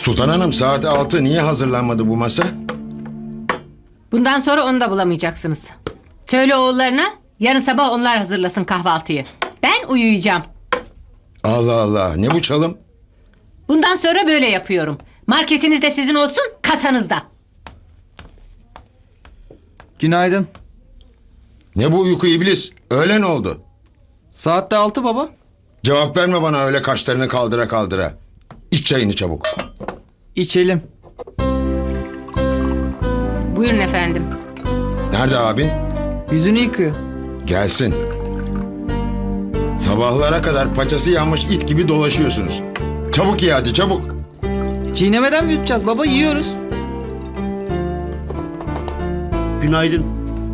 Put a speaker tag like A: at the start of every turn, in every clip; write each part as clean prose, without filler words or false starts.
A: Sultan Hanım saat 6 niye hazırlanmadı bu masa?
B: Bundan sonra onu da bulamayacaksınız. Söyle oğullarına yarın sabah onlar hazırlasın kahvaltıyı. Ben uyuyacağım.
A: Allah Allah, ne bu çalım?
B: Bundan sonra böyle yapıyorum. Marketiniz de sizin olsun, kasanız da.
C: Günaydın.
A: Ne bu uyku iblis? Öğlen oldu.
C: Saat de 6 baba.
A: Cevap verme bana öyle kaşlarını kaldıra kaldıra. İç çayını çabuk.
C: İçelim.
B: Buyurun efendim.
A: Nerede abin?
C: Yüzünü yıkıyor.
A: Gelsin. Sabahlara kadar paçası yanmış it gibi dolaşıyorsunuz. Çabuk ye hadi çabuk.
C: Çiğnemeden mi yutacağız baba? Yiyoruz.
D: Günaydın.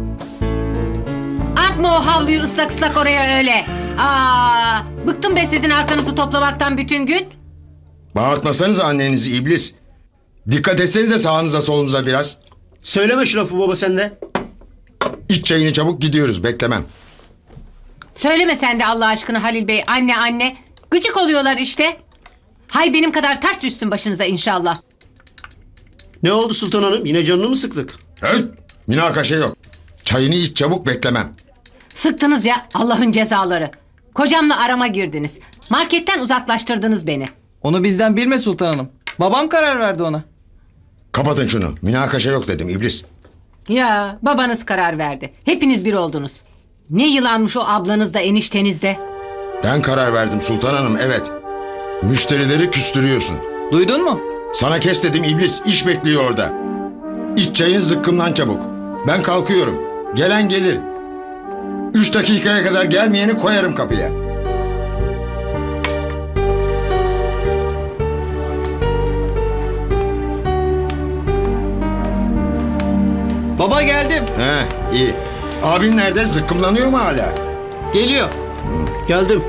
B: Atma o havluyu ıslak ıslak oraya öyle. Aa, bıktım be sizin arkanızı toplamaktan bütün gün.
A: Bağırtmasanız annenizi iblis. Dikkat etsenize sağınıza solunuza biraz.
D: Söyleme şu lafı baba sen de.
A: İç çayını çabuk gidiyoruz beklemem.
B: Söyleme sen de Allah aşkına Halil Bey, anne anne. Gıcık oluyorlar işte. Hay benim kadar taş düşsün başınıza inşallah.
D: Ne oldu Sultan Hanım? Yine canını mı sıktık?
A: Evet, münakaşa yok. Çayını iç çabuk beklemem.
B: Sıktınız ya Allah'ın cezaları. Kocamla arama girdiniz. Marketten uzaklaştırdınız beni.
C: Onu bizden bilme Sultan Hanım. Babam karar verdi ona.
A: Kapatın şunu. Münakaşa yok dedim iblis.
B: Ya babanız karar verdi. Hepiniz bir oldunuz. Ne yılanmış o ablanız da enişteniz de.
A: Ben karar verdim Sultan Hanım evet. Müşterileri küstürüyorsun.
C: Duydun mu?
A: Sana kes dedim iblis. İş bekliyor orada. İç çayını zıkkımdan çabuk. Ben kalkıyorum. Gelen gelir. 3 dakikaya kadar gelmeyeni koyarım kapıya.
C: Baba geldim.
A: He iyi. Abin nerede? Zıkkımlanıyor mu hala?
C: Geliyor.
D: Geldim.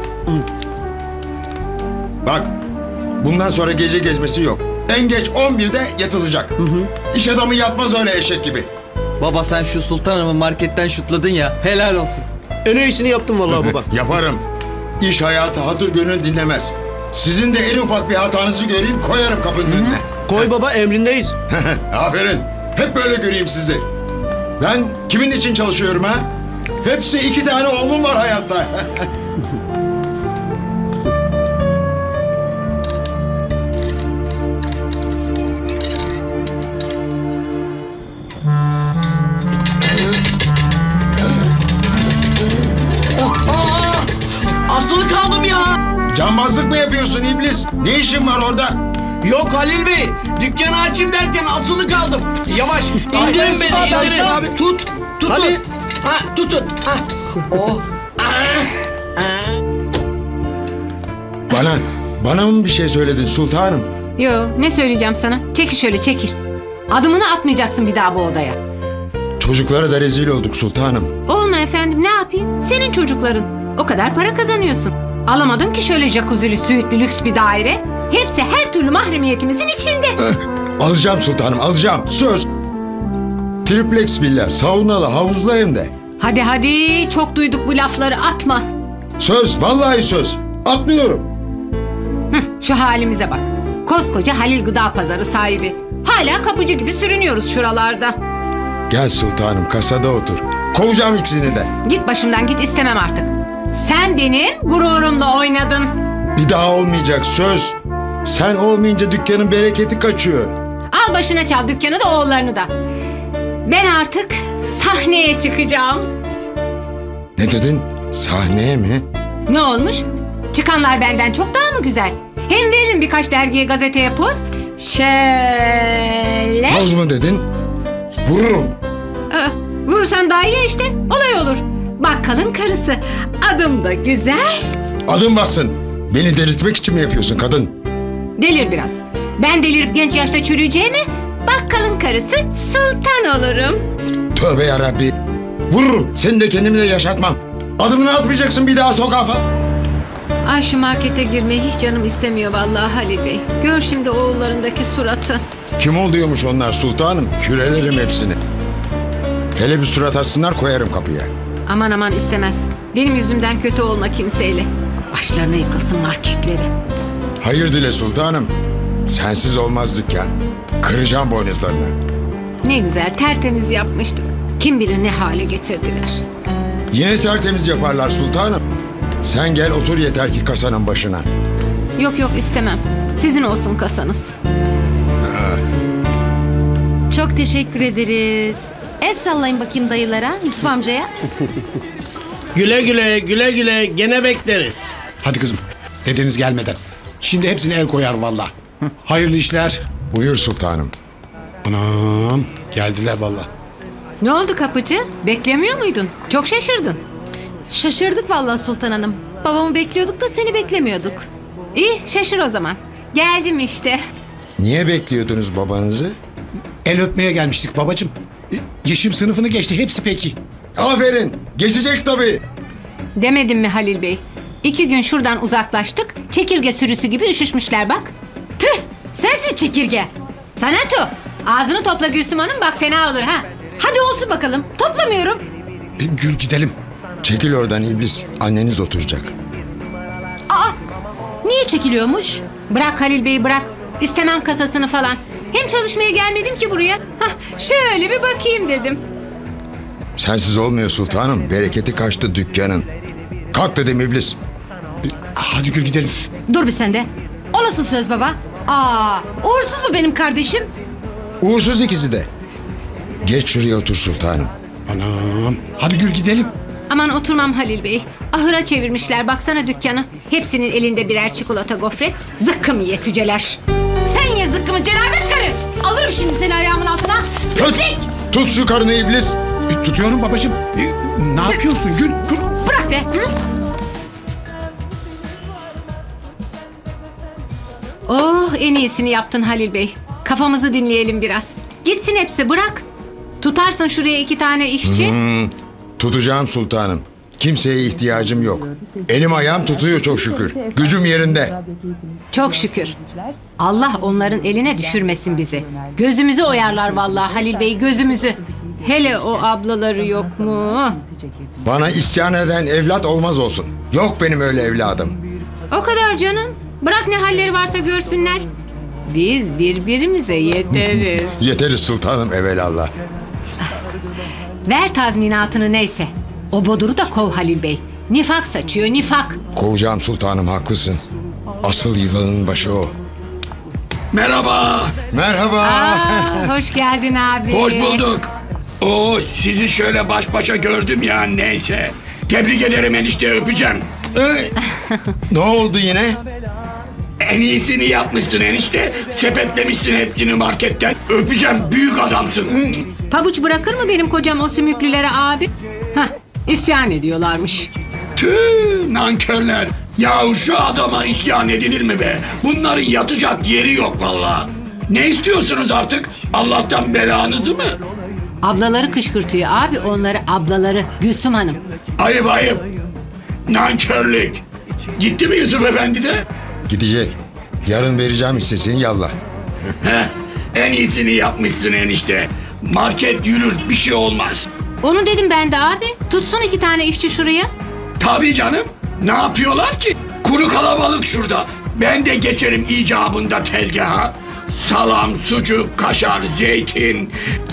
A: Bak. Bundan sonra gece gezmesi yok. En geç 11'de yatılacak. İş adamı yatmaz öyle eşek gibi.
C: Baba sen şu Sultan Hanım'ı marketten şutladın ya. Helal olsun.
D: En iyisini yaptım vallahi baba.
A: Yaparım. İş hayatı hatır gönül dinlemez. Sizin de en ufak bir hatanızı göreyim koyarım kapının önüne.
D: Koy baba emrindeyiz.
A: Aferin. Hep böyle göreyim sizi. Ben kimin için çalışıyorum ha? Hepsi 2 tane oğlum var hayatta.
E: Asılı kaldım ya.
A: Cambazlık mı yapıyorsun iblis? Ne işin var orada?
E: Yok Halil Bey. Dükkanı açayım derken asılı kaldım. Yavaş. İndirin beni.
D: Hadi
E: indirin.
D: abi.
E: Tut. Tutun.
D: Hadi.
E: Ha, tutun. Ha. Oh.
A: Bana mı bir şey söyledin sultanım?
B: Yo, ne söyleyeceğim sana? Çekil şöyle çekil. Adımını atmayacaksın bir daha bu odaya.
A: Çocuklara da rezil olduk sultanım.
B: Olma efendim, ne yapayım? Senin çocukların. O kadar para kazanıyorsun. Alamadın ki şöyle jacuzzi'li, süitlü, lüks bir daire. Hepsi her türlü mahremiyetimizin içinde.
A: Alacağım sultanım alacağım. Söz. Triplex villa, saunalı, havuzlu hem de.
B: Hadi hadi, çok duyduk bu lafları, atma.
A: Söz, vallahi söz. Atmıyorum.
B: Şu halimize bak. Koskoca Halil Gıda Pazarı sahibi. Hala kapıcı gibi sürünüyoruz şuralarda.
A: Gel sultanım kasada otur. Kovacağım ikisini de.
B: Git başımdan git, istemem artık. Sen benim gururumla oynadın.
A: Bir daha olmayacak söz. Sen olmayınca dükkanın bereketi kaçıyor.
B: Al başına çal dükkanı da oğullarını da. Ben artık sahneye çıkacağım.
A: Ne dedin? Sahneye mi?
B: Ne olmuş? Çıkanlar benden çok daha mı güzel? Hem veririm birkaç dergiye, gazeteye poz. Şöyle.
A: Havuz mu dedin? Vururum.
B: Vurursan daha iyi işte. Olay olur. Bakkalın karısı. Adım da güzel.
A: Adım bassın. Beni delirtmek için mi yapıyorsun kadın?
B: Delir biraz. Ben delirip genç yaşta çürüyeceğime bakkalın karısı sultan olurum.
A: Tövbe yarabbi. Vururum. Seni de kendimi de yaşatmam. Adımını atmayacaksın bir daha sokağa falan.
B: Ay şu markete girmeyi hiç canım istemiyor vallahi Halil Bey. Gör şimdi oğullarındaki suratı.
A: Kim oluyormuş onlar sultanım? Kürelerim hepsini. Hele bir surat assınlar koyarım kapıya.
B: Aman aman istemez. Benim yüzümden kötü olma kimseyle. Başlarına yıkılsın marketleri.
A: Hayır dile sultanım. Sensiz olmaz dükkan. Kıracağım boynuzlarını.
B: Ne güzel tertemiz yapmıştık. Kim bilir ne hale getirdiler.
A: Yine tertemiz yaparlar sultanım. Sen gel otur yeter ki kasanın başına.
B: Yok yok istemem. Sizin olsun kasanız.
F: Çok teşekkür ederiz. El sallayın bakayım dayılara, Yusuf amcaya.
D: Güle güle, güle güle, gene bekleriz.
G: Hadi kızım. Dedeniz gelmeden. Şimdi hepsini el koyar valla. Hayırlı işler.
A: Buyur sultanım.
G: Anam. Geldiler valla.
B: Ne oldu kapıcı? Beklemiyor muydun? Çok şaşırdın.
F: Şaşırdık vallahi Sultan Hanım. Babamı bekliyorduk da seni beklemiyorduk.
B: İyi şaşır o zaman. Geldim işte.
A: Niye bekliyordunuz babanızı?
G: El öpmeye gelmiştik babacığım. Yeşim sınıfını geçti. Hepsi peki.
A: Aferin. Geçecek tabii.
B: Demedim mi Halil Bey? 2 gün şuradan uzaklaştık. Çekirge sürüsü gibi üşüşmüşler bak.
F: Tüh! Sensin çekirge.
B: Sanato. Ağzını topla Gülsüm Hanım bak fena olur ha.
F: Hadi olsun bakalım. Toplamıyorum.
G: Gül gidelim.
A: Çekil oradan iblis. Anneniz oturacak.
F: Aa! Niye çekiliyormuş?
B: Bırak Halil Bey'i bırak. İstemem kasasını falan. Hem çalışmaya gelmedim ki buraya. Hah, şöyle bir bakayım dedim.
A: Sensiz olmuyor sultanım. Bereketi kaçtı dükkanın. Kalk dedim iblis.
G: Hadi Gül gidelim.
F: Dur bir sen de. O nasıl söz baba? Aa! Uğursuz mu benim kardeşim?
A: Uğursuz ikisi de. Geç şuraya otur sultanım.
G: Anam. Hadi Gül gidelim.
B: Aman oturmam Halil Bey. Ahıra çevirmişler baksana dükkanı. Hepsinin elinde birer çikolata gofret. Zıkkım yesiceler.
F: Sen ye zıkkımı cenabet karı. Alırım şimdi seni ayağımın altına.
A: Tut, tut şu karını iblis.
G: Tutuyorum babacığım. Ne yapıyorsun Gül? Dur.
F: Bırak be.
B: Oh en iyisini yaptın Halil Bey. Kafamızı dinleyelim biraz. Gitsin hepsi bırak. Tutarsın şuraya 2 tane işçi.
A: Tutacağım sultanım. Kimseye ihtiyacım yok. Elim ayağım tutuyor çok şükür. Gücüm yerinde.
B: Çok şükür. Allah onların eline düşürmesin bizi. Gözümüzü oyarlar vallahi Halil Bey gözümüzü. Hele o ablaları yok mu?
A: Bana isyan eden evlat olmaz olsun. Yok benim öyle evladım.
B: O kadar canım. Bırak ne halleri varsa görsünler. Biz birbirimize yeteriz.
A: Yeteriz sultanım evelallah.
B: Ver tazminatını neyse. O boduru da kov Halil Bey. Nifak saçıyor nifak.
A: Kovacağım sultanım haklısın. Asıl yılanın başı o.
H: Merhaba.
A: Merhaba.
B: Aa, hoş geldin abi.
H: Hoş bulduk. Oo, sizi şöyle baş başa gördüm ya neyse. Tebrik ederim enişte öpeceğim.
A: Ne oldu yine?
H: En iyisini yapmışsın enişte. Sepetlemişsin hepsini marketten. Öpeceğim büyük adamsın.
B: Pabuç bırakır mı benim kocam o sümüklülere abi? Hah, isyan ediyorlarmış.
H: Tüh nankörler. Yahu şu adama isyan edilir mi be? Bunların yatacak yeri yok vallahi. Ne istiyorsunuz artık? Allah'tan belanızı mı?
B: Ablaları kışkırtıyor abi onları ablaları Gülsüm Hanım.
H: Ayıp ayıp. Nankörlük. Gitti mi Yusuf Efendi de?
A: Gidecek. Yarın vereceğim hissesini yallah.
H: Heh, en iyisini yapmışsın enişte. Market yürür bir şey olmaz.
B: Onu dedim ben de abi. Tutsun 2 tane işçi şuraya.
H: Tabii canım. Ne yapıyorlar ki? Kuru kalabalık şurada. Ben de geçerim icabında tezgaha. Salam, sucuk, kaşar, zeytin.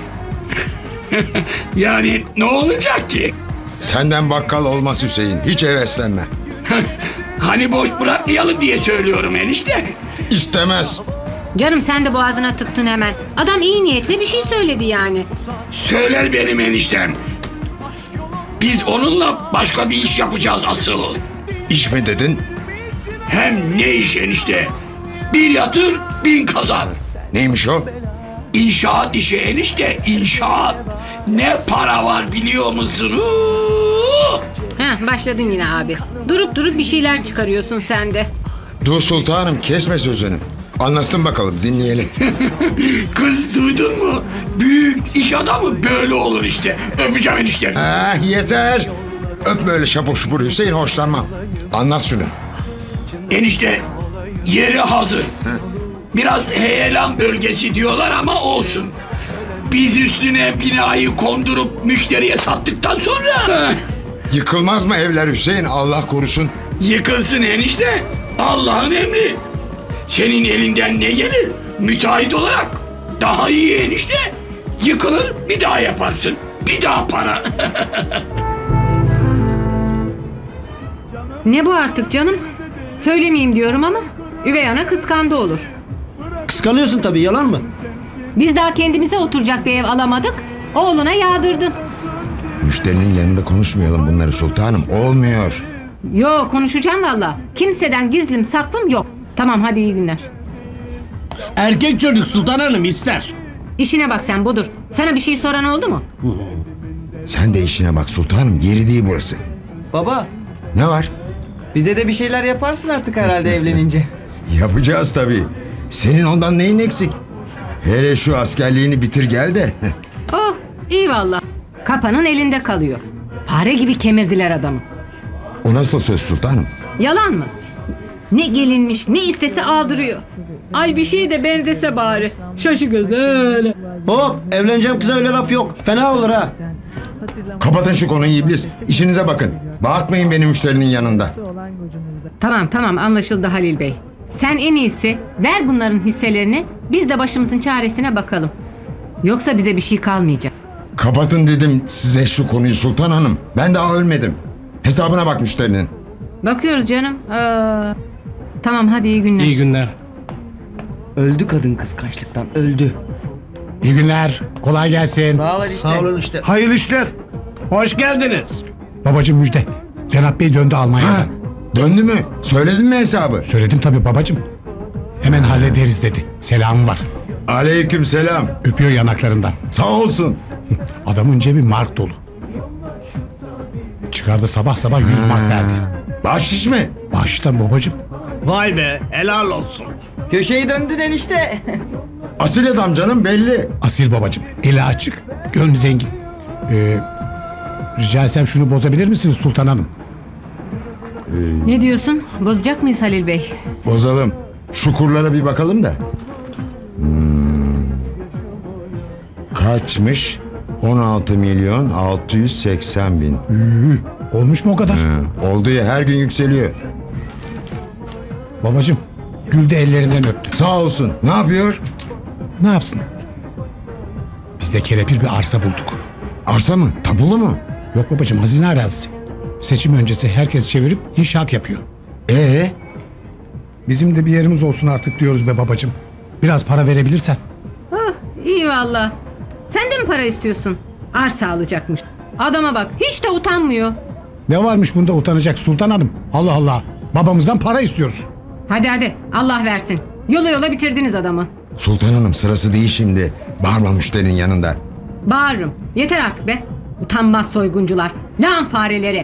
H: Yani ne olacak ki?
A: Senden bakkal olmaz Hüseyin. Hiç heveslenme.
H: Hani boş bırakmayalım diye söylüyorum enişte.
A: İstemez.
B: Canım sen de boğazına tıktın hemen. Adam iyi niyetli bir şey söyledi yani.
H: Söyler benim eniştem. Biz onunla başka bir iş yapacağız asıl.
A: İş mi dedin?
H: Hem ne iş enişte? Bir yatır, 1000 kazan.
A: Neymiş o?
H: İnşaat işi enişte, inşaat. Ne para var biliyor musun?
B: Heh, başladın yine abi. Durup durup bir şeyler çıkarıyorsun sen de.
A: Dur sultanım kesme sözünü. Anlasın bakalım dinleyelim.
H: Kız duydun mu? Büyük iş adamı böyle olur işte. Öpeceğim enişte.
A: Yeter. Öpme öyle şapur şupur Hüseyin hoşlanmam. Anlat şunu.
H: Enişte yeri hazır. Biraz heyelan bölgesi diyorlar ama olsun. Biz üstüne binayı kondurup müşteriye sattıktan sonra
A: Yıkılmaz mı evler Hüseyin Allah korusun.
H: yıkılsın enişte. Allah'ın emri. Senin elinden ne gelir? Müteahhit olarak. Daha iyi enişte. Yıkılır bir daha yaparsın. Bir daha para.
B: Ne bu artık canım? Söylemeyeyim diyorum ama üvey ana kıskandı olur.
D: Kıskanıyorsun tabii, yalan mı?
B: Biz daha kendimize oturacak bir ev alamadık. Oğluna yağdırdın.
A: Müşterinin yanında konuşmayalım bunları sultanım. Olmuyor.
B: Yo, konuşacağım valla. Kimseden gizlim saklım yok. Tamam, hadi iyi günler.
E: Erkek çocuk Sultan Hanım ister.
B: İşine bak sen Budur. Sana bir şey soran oldu mu?
A: Sen de işine bak sultanım. Yeri değil burası.
C: Baba,
A: Ne var?
C: bize de bir şeyler yaparsın artık herhalde evlenince.
A: Yapacağız tabii. Senin ondan neyin eksik? Hele şu askerliğini bitir gel de.
B: Oh, iyi valla. Kapanın elinde kalıyor. Fare gibi kemirdiler adamı.
A: O nasıl söz sultanım?
B: Yalan mı? Ne gelinmiş, ne istese aldırıyor. Ay bir şeye de benzese bari. Şaşı göz öyle.
D: Hop, evleneceğim kıza öyle laf yok. Fena olur ha.
A: Kapatın şu konuyu iblis. İşinize bakın. Bağırtmayın beni müşterinin yanında.
B: Tamam anlaşıldı Halil Bey. Sen en iyisi ver bunların hisselerini. Biz de başımızın çaresine bakalım. Yoksa bize bir şey kalmayacak.
A: Kapatın dedim size şu konuyu sultan hanım. Ben daha ölmedim. Hesabına bak müşterinin.
B: Bakıyoruz canım. Tamam hadi iyi günler.
E: İyi günler.
C: Öldü kadın kıskançlıktan, öldü.
G: İyi günler. Kolay gelsin.
C: Sağ ol işte.
D: Sağ olun işte.
E: Hayırlı işler. Hoş geldiniz.
G: Babacığım müjde. Cenap Bey döndü Almanya'dan.
A: Ha, döndü mü? Söyledin mi hesabı?
G: Söyledim tabii babacığım. Hemen hallederiz dedi. Selamı var.
A: Aleyküm selam.
G: Öpüyor yanaklarından.
A: Sağ olsun.
G: Adamın cebi mark dolu. Çıkardı sabah sabah 100 mark verdi.
A: Bahşiş mi?
G: Baştan babacığım.
E: Vay be, helal olsun.
C: Köşeyi döndün enişte.
A: Asil adam canım belli.
G: Asil babacığım. Eli açık. Gönlü zengin. Rica etsem şunu bozabilir misiniz Sultan Hanım?
B: Ne diyorsun? Bozacak mıyız Halil Bey?
A: Bozalım. Şu kurlara bir bakalım da. Kaçmış? 16 milyon 680 bin.
G: Olmuş mu o kadar?
A: Oldu ya her gün yükseliyor.
G: Babacığım. Gül de ellerinden öptü.
A: Sağ olsun. Ne yapıyor?
G: Ne yapsın? Biz de kelepir bir arsa bulduk.
A: Arsa mı? Tabulu mu?
G: Yok babacığım, hazine arazisi. Seçim öncesi herkes çevirip inşaat yapıyor. Bizim de bir yerimiz olsun artık diyoruz be babacığım. Biraz para verebilirsen.
B: Oh, iyi valla. Sen de mi para istiyorsun? Arsa alacakmış. Adama bak, hiç de utanmıyor.
G: Ne varmış bunda utanacak Sultan Hanım? Allah Allah. Babamızdan para istiyoruz.
B: Hadi Allah versin. Yola bitirdiniz adamı.
A: Sultan Hanım sırası değil şimdi. Bağırma müşterinin yanında.
B: Bağırırım. Yeter artık be. Utanmaz soyguncular. Lan fareleri.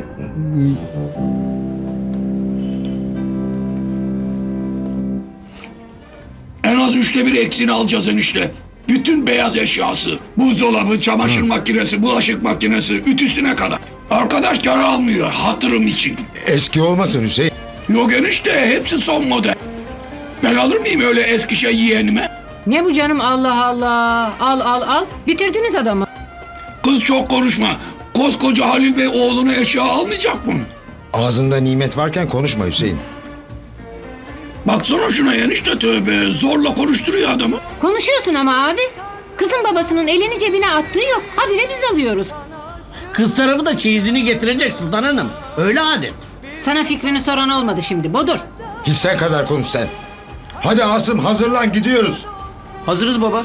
H: En az 1/3 eksiğini alacağız enişte. Bütün beyaz eşyası, buzdolabı, çamaşır makinesi, bulaşık makinesi, ütüsüne kadar. Arkadaş kar almıyor hatırım için.
A: Eski olmasın Hüseyin.
H: Yok enişte hepsi son model. Ben alır mıyım öyle eski şey yeğenime?
B: Ne bu canım, Allah Allah. Al. Bitirdiniz adamı.
H: Kız çok konuşma. Koskoca Halil Bey oğlunu eşya almayacak mı?
A: Ağzında nimet varken konuşma Hüseyin.
H: Baksana şuna enişte, tövbe. Zorla konuşturuyor adamı.
B: Konuşuyorsun ama abi. Kızın babasının elini cebine attığı yok. Habire biz alıyoruz.
E: Kız tarafı da çeyizini getirecek Sultan Hanım. Öyle adet.
B: Sana fikrini soran olmadı şimdi Bodur.
A: Hissen kadar konuş sen. Hadi Asım hazırlan gidiyoruz.
D: Hazırız baba.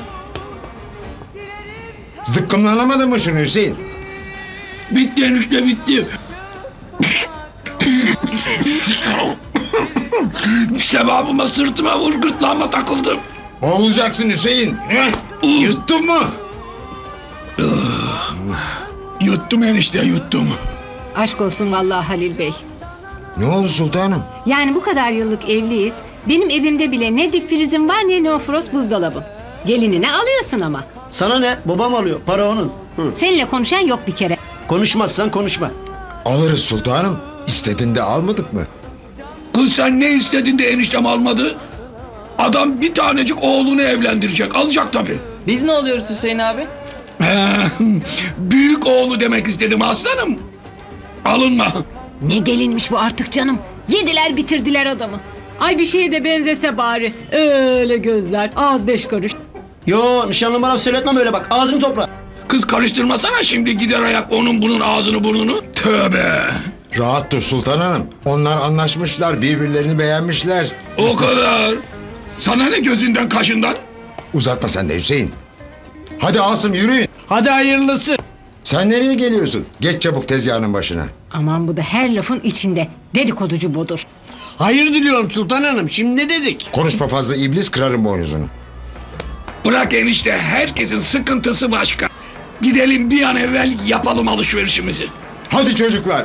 A: Zıkkımlanamadın mı şunu Hüseyin?
H: Bitti enişte bitti. Sevabıma sırtıma vur, gırtlağıma takıldım.
A: Boğulacaksın Hüseyin. Yuttun mu?
H: Yuttum enişte yuttum.
B: Aşk olsun vallahi Halil Bey.
A: Ne oldu sultanım?
B: Yani bu kadar yıllık evliyiz. Benim evimde bile ne dip frizim var ne neofrost buzdolabım. Gelinine alıyorsun ama.
D: Sana ne? Babam alıyor. Para onun.
B: Seninle konuşan yok bir kere.
D: Konuşmazsan konuşma.
A: Alırız sultanım. İstediğinde almadık mı?
H: Kız sen ne istedin de eniştem almadı? Adam bir tanecik oğlunu evlendirecek. Alacak tabii.
C: Biz ne oluyoruz Hüseyin abi?
H: Büyük oğlu demek istedim aslanım. Alınma.
B: Ne gelinmiş bu artık canım. Yediler bitirdiler adamı. Ay bir şeye de benzese bari. Öyle gözler, ağız 5 kuruş.
D: Yo nişanlım bana söyletmem öyle bak ağzını topla.
H: Kız karıştırmasana şimdi gider ayak onun bunun ağzını burnunu. Tövbe.
A: Rahat dur Sultan Hanım. Onlar anlaşmışlar, birbirlerini beğenmişler.
H: O kadar. Sana ne gözünden kaşından?
A: Uzatma sen de Hüseyin. Hadi Asım yürüyün.
E: Hadi hayırlısı.
A: Sen nereye geliyorsun? Geç çabuk tezgahının başına.
B: Aman bu da her lafın içinde. Dedikoducu budur.
E: Hayır diliyorum Sultan Hanım. Şimdi ne dedik?
A: Konuşma fazla iblis, kırarım boynuzunu.
H: Bırak enişte herkesin sıkıntısı başka. Gidelim bir an evvel yapalım alışverişimizi.
A: Hadi çocuklar.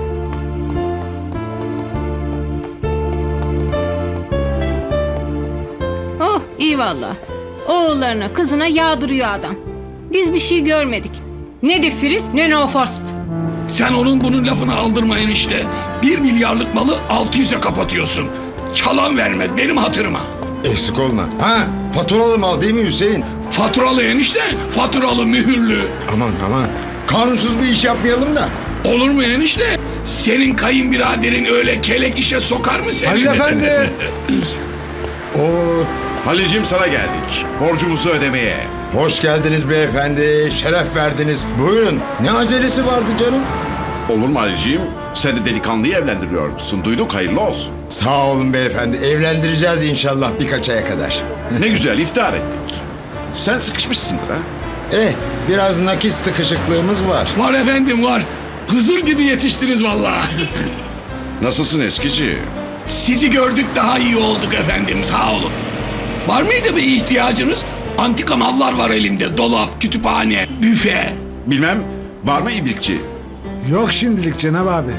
B: Oh iyi valla. Oğullarına kızına yağdırıyor adam. Biz bir şey görmedik. Ne difriz ne no forst.
H: Sen onun bunun lafını aldırma enişte. 1 milyarlık malı 600'e kapatıyorsun. Çalan vermez benim hatırıma.
A: Eksik olma. Ha, faturalı mal değil mi Hüseyin?
H: Faturalı enişte, faturalı mühürlü.
A: Aman aman. Kanunsuz bir iş yapmayalım da.
H: Olur mu enişte? Senin kayınbiraderin öyle kelek işe sokar mı seni?
A: Halil Efendi. Oo,
I: Halil'cim sana geldik. Borcumuzu ödemeye.
A: hoş geldiniz beyefendi. Şeref verdiniz. Buyurun. Ne acelesi vardı canım?
I: Olur mu Halil'cim? Sen de delikanlıyı evlendiriyormuşsun. Duyduk, hayırlı olsun.
A: Sağ olun beyefendi. Evlendireceğiz inşallah birkaç aya kadar.
I: Ne güzel iftar ettik. Sen sıkışmışsındır ha?
A: Biraz nakit sıkışıklığımız var.
H: Var efendim var. Hızır gibi yetiştiniz vallahi.
I: Nasılsın eskici?
H: Sizi gördük daha iyi olduk efendim sağ olun. Var mıydı bir ihtiyacınız? Antika mallar var elimde. Dolap, kütüphane, büfe.
I: Bilmem, var mı ibrikçi?
G: Yok şimdilik Cenab abi.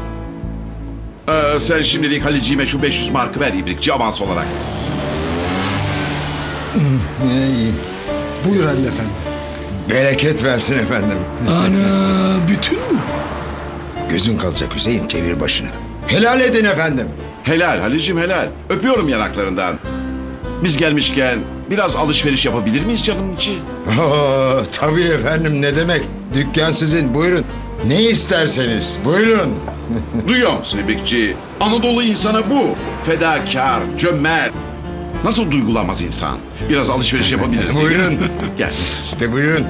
I: Sen şimdilik Halil'ciğime şu 500 markı ver ibrikçi avans olarak.
A: İyi.
G: Buyur Halil Efendi.
A: Bereket versin efendim.
H: Ana bütün mü?
A: Gözün kalacak Hüseyin, çevir başını. Helal edin efendim.
I: Helal Halil'cim helal. Öpüyorum yanaklarından. Biz gelmişken biraz alışveriş yapabilir miyiz canım içi?
A: Oo, tabii efendim, ne demek. Dükkan sizin, buyurun. Ne isterseniz buyurun.
I: Duyuyor musun ibrikçi? Anadolu insanı bu. Fedakar, cömert. Nasıl duygulanmaz insan? Biraz alışveriş yapabiliriz. değil mi?
A: Buyurun.
I: Gel.
A: İşte buyurun.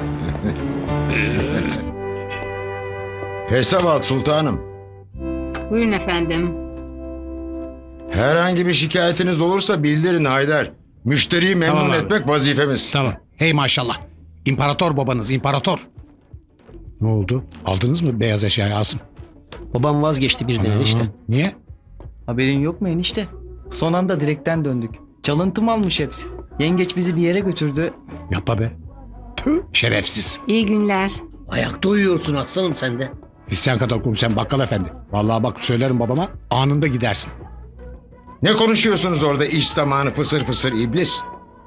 A: Hesap al sultanım.
B: Buyurun efendim.
A: Herhangi bir şikayetiniz olursa bildirin Haydar. Müşteriyi memnun
G: Tamam abi.
A: etmek vazifemiz.
G: Tamam. Hey maşallah. İmparator babanız imparator. Ne oldu? Aldınız mı beyaz eşyayı Asım?
D: Babam vazgeçti birden enişte.
G: Niye?
C: Haberin yok mu enişte? Son anda direkten döndük. Çalıntı almış hepsi. Yengeç bizi bir yere götürdü.
G: Yapma be. Tüh şerefsiz.
B: İyi günler.
E: Ayakta uyuyorsun aslanım sen de.
G: Biz sen kadar konuşan bakkal efendi. Vallahi bak söylerim babama anında gidersin.
A: Ne konuşuyorsunuz orada iş zamanı fısır fısır iblis?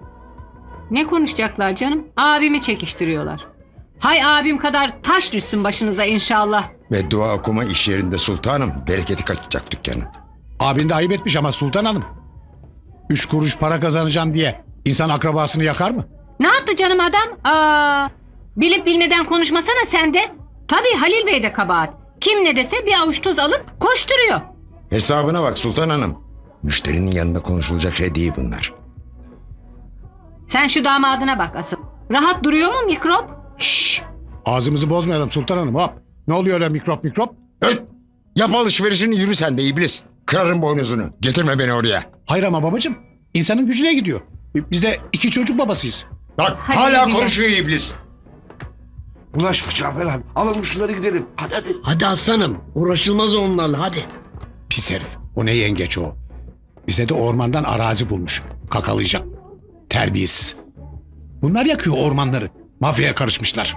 B: Ne konuşacaklar canım? Abimi çekiştiriyorlar. Hay abim kadar taş düşsün başınıza inşallah.
A: Ve dua okuma iş yerinde sultanım. Bereketi kaçacak dükkanın.
G: Abin de ayıp etmiş ama Sultan Hanım. 3 kuruş para kazanacağım diye insan akrabasını yakar mı?
B: Ne yaptı canım adam? Bilip bilmeden konuşmasana sen de. Tabii Halil Bey de kabahat. Kim ne dese bir avuç tuz alıp koşturuyor.
A: Hesabına bak sultan hanım. Müşterinin yanında konuşulacak şey değil bunlar.
B: Sen şu damadına bak asıl. Rahat duruyor mu mikrop?
G: Şşş. Ağzımızı bozmayalım Sultan Hanım hop. Ne oluyor öyle mikrop?
A: Öt! Yap alışverişini, yürü sen de iblis. Kırarım boynuzunu. Getirme beni oraya.
G: Hayır ama babacığım. İnsanın gücüne gidiyor. Biz de 2 çocuk babasıyız.
A: Bak
B: Hadi
A: hala
B: güzel.
A: konuşuyor iblis.
J: Bulaşma Cafer abi. Alalım şunları gidelim. Hadi hadi.
E: Hadi aslanım. Uğraşılmaz onlarla hadi.
G: Pis herif. O ne yengeç o. Bize de ormandan arazi bulmuş. Kakalayacak. Terbiyesiz. Bunlar yakıyor ormanları. Mafyaya karışmışlar.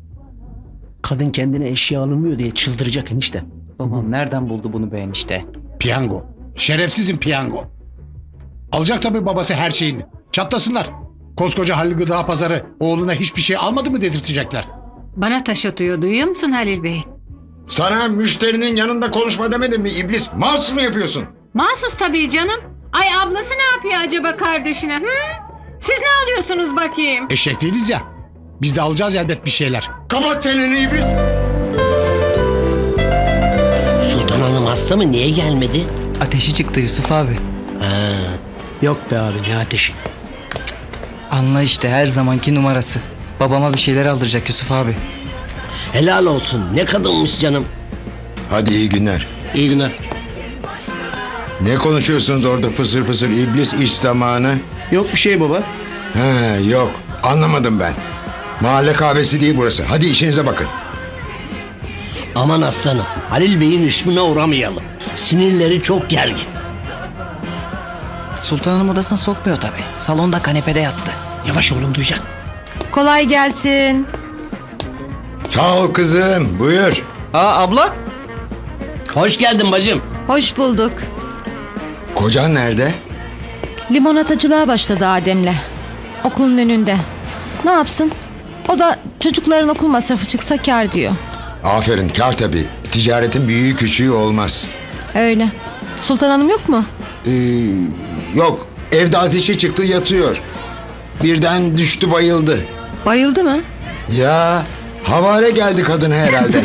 D: Kadın kendine eşya alınmıyor diye çıldıracak enişte.
C: Babam nereden buldu bunu be enişte?
G: Piyango. Şerefsizin piyango. Alacak tabii babası her şeyini. Çatlasınlar. Koskoca Halil Gıda Pazarı oğluna hiçbir şey almadı mı dedirtecekler.
B: Bana taş atıyor, duyuyor musun Halil Bey?
A: Sana müşterinin yanında konuşma demedim mi iblis? Mahsus mu yapıyorsun?
B: Mahsus tabii canım. Ay ablası ne yapıyor acaba kardeşine? Hı? Siz ne alıyorsunuz bakayım?
G: Eşek değiliz ya. Biz de alacağız elbet bir şeyler.
A: Kapat çeneni iblis.
E: Sultan Hanım hasta mı? Niye gelmedi?
C: Ateşi çıktı Yusuf abi.
D: Yok be abi ne ateşi.
C: Anla işte her zamanki numarası. Babama bir şeyler aldıracak Yusuf abi.
E: Helal olsun. Ne kadınmış canım.
A: Hadi iyi günler.
D: İyi günler.
A: Ne konuşuyorsunuz orada fısır fısır iblis iş zamanı?
D: Yok bir şey baba.
A: He yok anlamadım ben. Mahalle kahvesi değil burası. Hadi işinize bakın.
E: Aman aslanım. Halil Bey'in rüşmüne uğramayalım. Sinirleri çok gergin.
C: Sultan Hanım odasına sokmuyor tabii. Salonda kanepede yattı.
D: Yavaş oğlum duyacak.
F: Kolay gelsin.
A: Sağ ol kızım buyur.
C: Aa abla.
E: Hoş geldin bacım.
F: Hoş bulduk.
A: Kocan nerede?
F: Limonatacılığa başladı Adem'le. Okulun önünde. Ne yapsın? O da çocukların okul masrafı çıksa kâr diyor.
A: Aferin kar tabii. Ticaretin büyüğü küçüğü olmaz.
F: Öyle. Sultan Hanım yok mu?
A: Yok evde ateşi çıktı yatıyor. Birden düştü bayıldı.
F: Bayıldı mı?
A: Ya havale geldi kadın herhalde.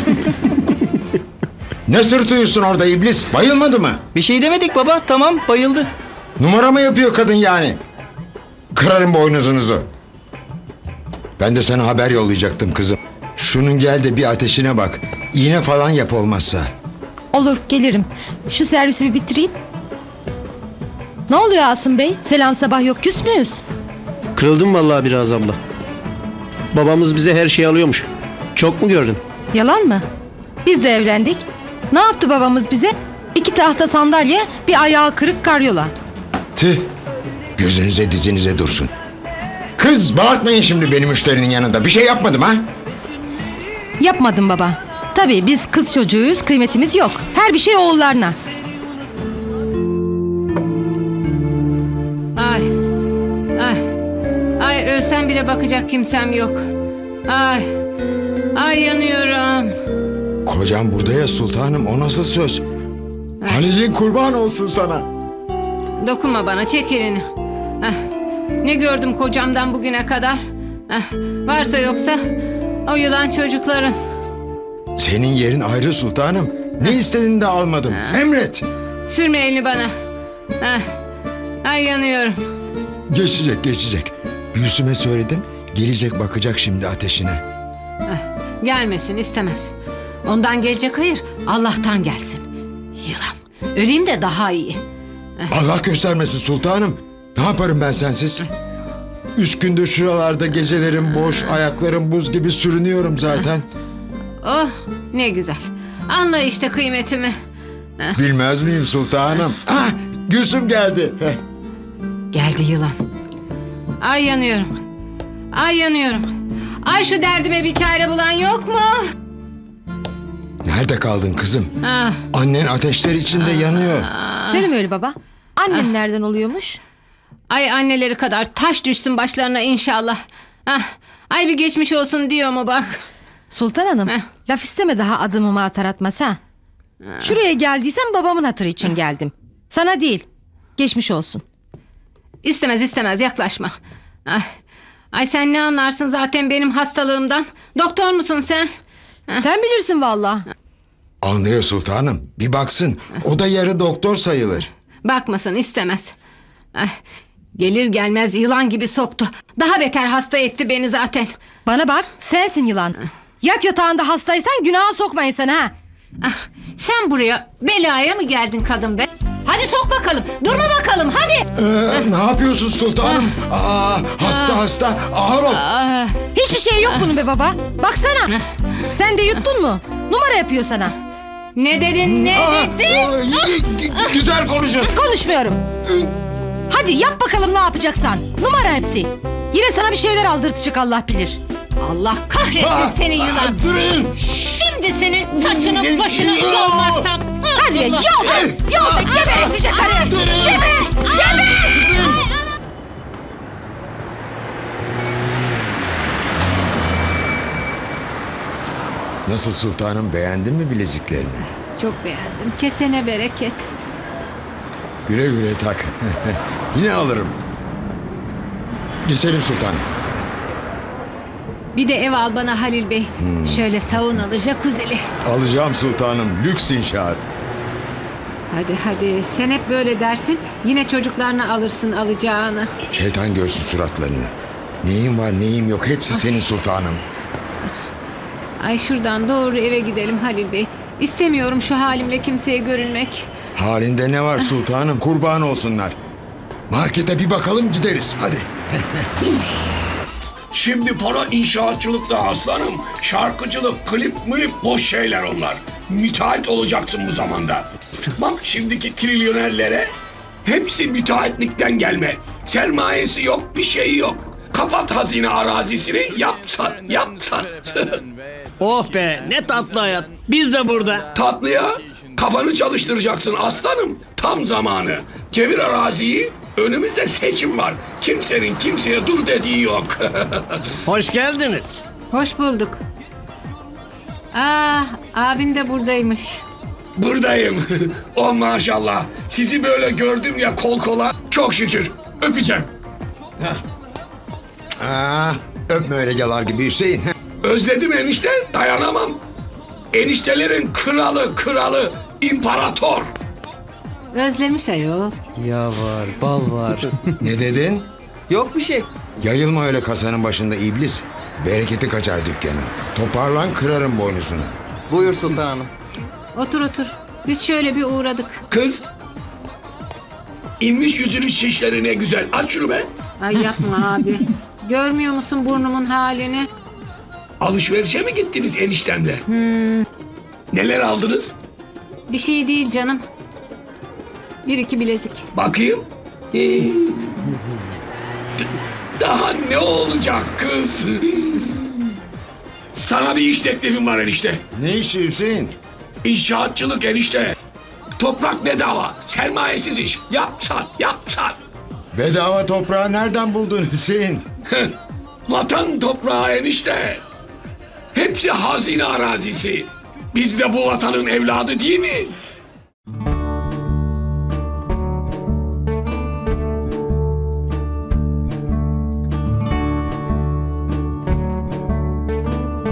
A: Ne sırtıyorsun orada iblis? Bayılmadı mı?
C: Bir şey demedik baba. Tamam bayıldı.
A: Numara mı yapıyor kadın yani? Kırarım boynuzunuzu. Ben de sana haber yollayacaktım kızım. Şunun gel de bir ateşine bak. İğne falan yap olmazsa.
F: Olur gelirim. Şu servisi bir bitireyim. Ne oluyor Asım Bey? Selam sabah yok, küs müyüz?
D: Kırıldım vallahi biraz abla. Babamız bize her şeyi alıyormuş. Çok mu gördün?
F: Yalan mı? Biz de evlendik. Ne yaptı babamız bize? 2 tahta sandalye, bir ayağı kırık karyola.
A: Tüh. Gözünüze dizinize dursun. Kız bağırtmayın şimdi benim müşterinin yanında. Bir şey yapmadım ha?
F: Yapmadım baba. Tabii biz kız çocuğuyuz, kıymetimiz yok. Her bir şey oğullarına.
B: Ay. Ay. Ay ölsem bile bakacak kimsem yok. Ay. Ay yanıyorum.
A: Kocam burada ya sultanım, o nasıl söz? Halil'in kurban olsun sana.
B: Dokunma bana, çek elini. Heh. Ne gördüm kocamdan bugüne kadar? Heh. Varsa yoksa o yılan çocukların.
A: Senin yerin ayrı sultanım. Ne istediğini de almadım. Emret.
B: Sürme elini bana. Heh. Ay yanıyorum.
A: Geçecek geçecek. Gülsüm'e söyledim. Gelecek bakacak şimdi ateşine.
B: Gelmesin, istemez. Ondan gelecek hayır, Allah'tan gelsin. Yılan. Öleyim de daha iyi.
A: Allah göstermesin sultanım. Ne yaparım ben sensiz? 3 gündür şuralarda gecelerim boş, ayaklarım buz gibi sürünüyorum zaten.
B: Oh ne güzel. Anla işte kıymetimi.
A: Bilmez miyim sultanım? Ah, Gülsüm geldi. Heh.
B: Geldi yılan. Ay yanıyorum. Ay yanıyorum. Ay şu derdime bir çare bulan yok mu?
A: Nerede kaldın kızım?
B: Ah.
A: Annen ateşler içinde yanıyor.
F: Söyleme öyle baba. Annem nereden oluyormuş?
B: Ay anneleri kadar taş düşsün başlarına inşallah. Ah. Ay bir geçmiş olsun diyor mu bak.
F: Sultan Hanım, laf isteme daha adımımı atar atmaz ha. Şuraya geldiysem babamın hatırı için geldim. Sana değil. Geçmiş olsun.
B: İstemez istemez yaklaşma. Ay. Ay sen ne anlarsın zaten benim hastalığımdan? Doktor musun sen?
F: Sen bilirsin valla.
A: Anlıyor sultanım. Bir baksın. O da yarı doktor sayılır.
B: Bakmasın istemez. Ay. Gelir gelmez yılan gibi soktu. Daha beter hasta etti beni zaten.
F: Bana bak, sensin yılan. Yat yatağında hastaysan günaha sokmayın sen ha.
B: Ah, sen buraya belaya mı geldin kadın be? Hadi sok bakalım. Durma bakalım hadi.
A: Ne yapıyorsun sultanım? Hasta ağır ol.
F: Hiçbir şey yok bunun be baba. Baksana. Sen de yuttun mu? Numara yapıyor sana.
B: Ne dedin ne dedin?
A: Güzel konuşun.
F: Konuşmuyorum. Hadi yap bakalım ne yapacaksan. Numara hepsi. Yine sana bir şeyler aldırtacak Allah bilir.
B: Allah kahretsin seni yılan.
A: Durun.
B: Şimdi senin saçını başını yolmazsam.
F: Hadi be yol be. Yol be geberesice karı. Geber. Geber.
A: Nasıl sultanım, beğendin mi bileziklerini?
B: Çok beğendim. Kesene bereket.
A: Güle güle tak. Yine alırım. Geçelim sultanım.
B: Bir de ev al bana Halil Bey. Şöyle saunalı jacuzzi'li.
A: Alacağım sultanım. Lüks inşaat.
B: Hadi sen hep böyle dersin. Yine çocuklarını alırsın alacağını.
A: Şeytan görsün suratlarını. Neyim var neyim yok hepsi senin sultanım.
B: Ay şuradan doğru eve gidelim Halil Bey. İstemiyorum şu halimle kimseye görünmek.
A: Halinde ne var sultanım kurban olsunlar. Markete bir bakalım gideriz hadi.
H: Şimdi para inşaatçılıkta aslanım. Şarkıcılık, klip mülip boş şeyler onlar. Müteahhit olacaksın bu zamanda. Bak şimdiki trilyonerlere hepsi müteahhitlikten gelme. Sermayesi yok, bir şeyi yok. Kapat hazine arazisini, yap sat.
E: Oh be ne tatlı hayat. Biz de burada.
H: Tatlıya kafanı çalıştıracaksın aslanım. Tam zamanı. Çevir araziyi. Önümüzde seçim var. Kimsenin kimseye dur dediği yok.
E: Hoş geldiniz.
B: Hoş bulduk. Abim de buradaymış.
H: Buradayım. Oh maşallah. Sizi böyle gördüm ya kol kola. Çok şükür. Öpeceğim.
A: Öpme öyle yalar gibi Hüseyin.
H: Özledim enişte. Dayanamam. Eniştelerin kralı. İmparator.
B: Özlemiş ayol.
C: Ya var, bal var.
A: Ne dedin?
C: Yok bir şey.
A: Yayılma öyle kasanın başında iblis. Bereketi kaçar dükkanı. Toparlan kırarım boynuzunu.
C: Buyur sultanım.
B: Otur. Biz şöyle bir uğradık.
H: Kız. İnmiş yüzünün şişleri ne güzel. Aç şunu be.
B: Ay yapma abi. Görmüyor musun burnumun halini?
H: Alışverişe mi gittiniz eniştemle? Neler aldınız?
B: Bir şey değil canım. 1-2 bilezik.
H: Bakayım. Daha ne olacak kız? Sana bir iş teklifim var enişte.
A: Ne işi Hüseyin?
H: İnşaatçılık enişte. Toprak bedava. Sermayesiz iş. Yap sat.
A: Bedava toprağı nereden buldun Hüseyin?
H: Vatan toprağı enişte. Hepsi hazine arazisi. Biz de bu vatanın evladı değil mi?